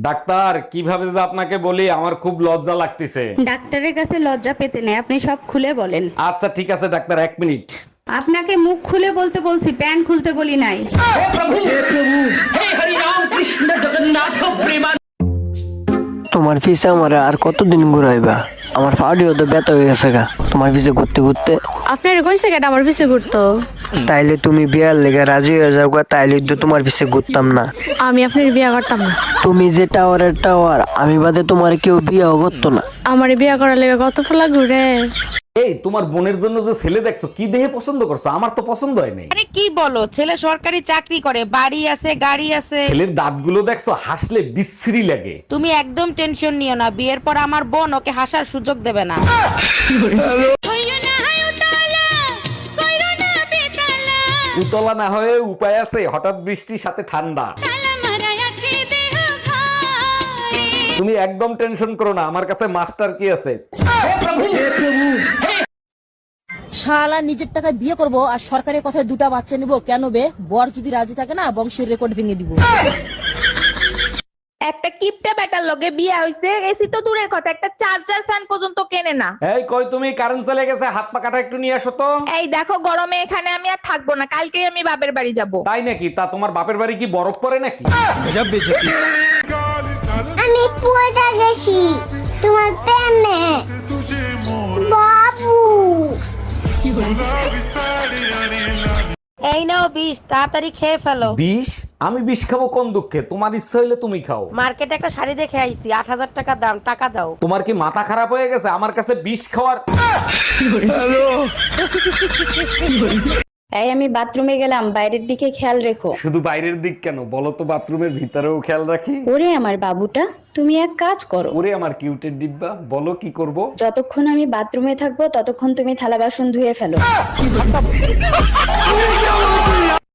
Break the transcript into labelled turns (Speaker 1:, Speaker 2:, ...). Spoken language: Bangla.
Speaker 1: ডাক্তার কিভাবে যে আপনাকে বলি আমার খুব লজ্জা লাগতেছে।
Speaker 2: ডাক্তারের কাছে লজ্জা পেতে নেই, আপনি সব খুলে বলেন।
Speaker 1: আচ্ছা ঠিক আছে ডাক্তার, 1 মিনিট।
Speaker 2: আপনাকে মুখ খুলে বলতে বলছি, প্যান্ট খুলতে বলি নাই।
Speaker 3: তোমার পিছে আমার আর কতদিন ঘুরাইবা? আমার পাউডিও তো ব্যথা হয়ে গেছে গা তোমার পিছে ঘুরতে ঘুরতে।
Speaker 4: আপনার কোন সেকেন্ড আমার পিছে ঘুরতো?
Speaker 3: তাইলে তুমি বিয়ার লেগে রাজি হয়ে যাও গা, তাইলে তো তোমার পিছে ঘুরতাম না।
Speaker 4: আমি আপনার বিয়ে করতাম না।
Speaker 3: তুমি যে টাওয়ারের টাওয়ার, আমি বাদে তোমার কেউ বিয়েও করতো না।
Speaker 4: আমার বিয়ে করার লেগে কত ফলা ঘুরে।
Speaker 1: এই তোমার বোনের জন্য যে ছেলে দেখছো, কি দেহে পছন্দ করছো? আমার তো পছন্দ হয় নাই।
Speaker 5: আরে কি বলো, ছেলে সরকারি চাকরি করে, বাড়ি আছে, গাড়ি আছে।
Speaker 1: ছেলের দাঁতগুলো দেখছো, হাসলে বিশ্রী লাগে।
Speaker 5: তুমি একদম টেনশন নিও না, বিয়ের পর আমার বোন ওকে হাসার সুযোগ দেবে না।
Speaker 1: উতলা না হয়ে উপায় আছে, হঠাৎ বৃষ্টির সাথে ঠান্ডা। তুমি একদম টেনশন করো না, আমার কাছে মাস্টার কি আছে।
Speaker 6: শালা নিজের টাকায় বিয়ে করব আর সরকারের কথায় দুটা বাচ্চা নিব কেন বে? বর যদি রাজি থাকে না, বংশের রেকর্ড ভেঙে দিব।
Speaker 5: একটা কিপটা বেটার লগে বিয়ে হইছে, এসি তো দূরের কথা, একটা চার্জার ফ্যান পর্যন্ত কেনে না।
Speaker 1: এই কই তুমি, কারেন্ট চলে গেছে, হাত পা কাটা একটু নিয়ে আসো তো।
Speaker 5: এই দেখো, গরমে এখানে আমি আর থাকবো না, কালকেই আমি বাপের বাড়ি যাব।
Speaker 1: তাই নাকি? তা তোমার বাপের বাড়ি কি বরফ পড়ে নাকি?
Speaker 7: আমি পড়ে গেছি তোমার প্রেমে বাবু।
Speaker 5: এই নাও বিষ, তাড়াতাড়ি খেয়ে ফেলো।
Speaker 1: বিষ? আমি বিষ খাবো কোন দুঃখে? তোমার ইচ্ছা হইলে তুমি খাও।
Speaker 5: মার্কেটে একটা শাড়ি দেখে আইছি, 8,000 টাকা দাম, টাকা দাও।
Speaker 1: তোমার কি মাথা খারাপ হয়ে গেছে আমার কাছে বিষ খাওয়ার?
Speaker 2: এই আমি বাথরুমে গেলাম, বাইরের দিকে খেয়াল রেখো।
Speaker 1: শুধু বাইরের দিক কেন, বলো তো বাথরুমের ভিতরেও খেয়াল রাখি।
Speaker 2: ওরে আমার বাবুটা, তুমি এক কাজ করো।
Speaker 1: ওরে আমার কিউটের ডিব্বা, বলো কি করব।
Speaker 2: যতক্ষণ আমি বাথরুমে থাকবো ততক্ষণ তুমি থালা বাসন ধুয়ে ফেলো।